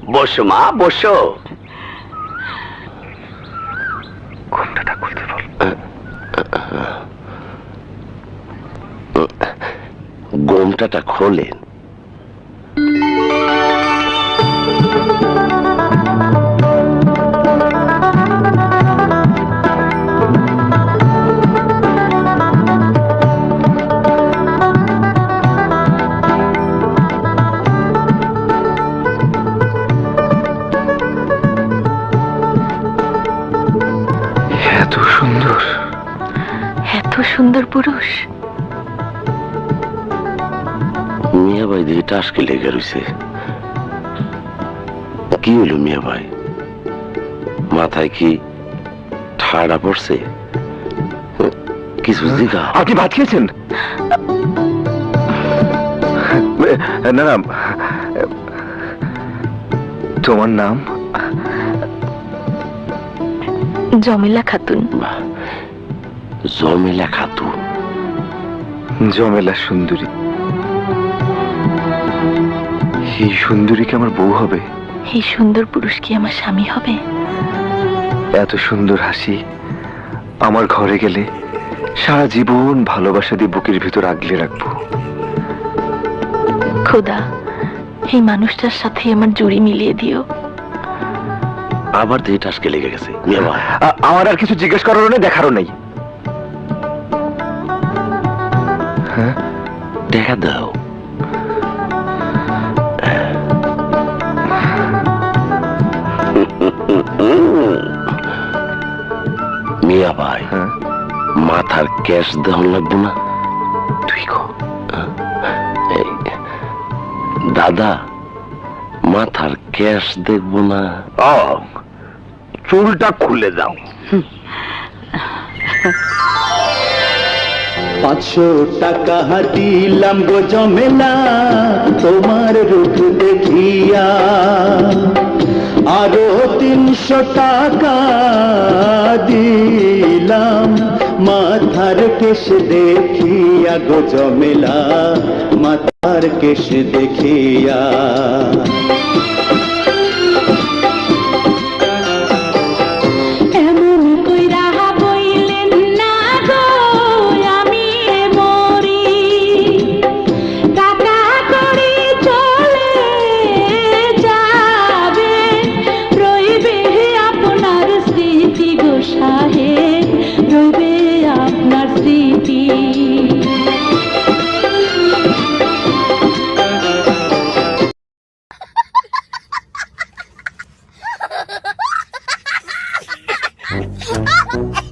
বসো মা, বসো। ঘুমটা খুলতে বল। ঘোমটাটা খোলেন। এত সুন্দর, এত সুন্দর পুরুষ। মিয়া ভাই দিকে টাসকে লেগে রয়েছে। কি হলো মিয়া ভাই? মাথায় কি ঠাড়া পড়ছে? কিছু জিগা। আপনি ভাত খেয়েছেন? না না, তোমার নাম? জমিলা খাতুন। জমিলা খাতুন? জমেলা সুন্দরী। এই সুন্দরী কি আমার বউ হবে? এই সুন্দর পুরুষ কি আমার স্বামী হবে? এত সুন্দর হাসি আমার ঘরে গেলে সারা জীবন ভালোবাসা দিয়ে বুকের ভিতর আগলে রাখবো। খোদা, এই মানুষটার সাথে আমার জুড়ি মিলিয়ে দিও। আবার দিয়ে টাসকে লেগে গেছে মিয়া ভাই। আমার আর কিছু জিজ্ঞেস করারও নেই, দেখারও নেই। হ্যাঁ, দেখা দাও। মিয়া ভাই, হ্যাঁ, মাথার ক্যাশ দেওয়া লাগবো না? তুই কো। এই, দাদা, মাথার ক্যাশ দেখবো না? চুলটা খুলে দাও। 500 টাকা দিলাম গো জমেলা তোমার রূপ দেখিয়া, আরো 300 টাকা দিলাম মাথার কেশ দেখিয়া গো জমেলা, মাথার কেশ দেখিয়া। Ha ha ha!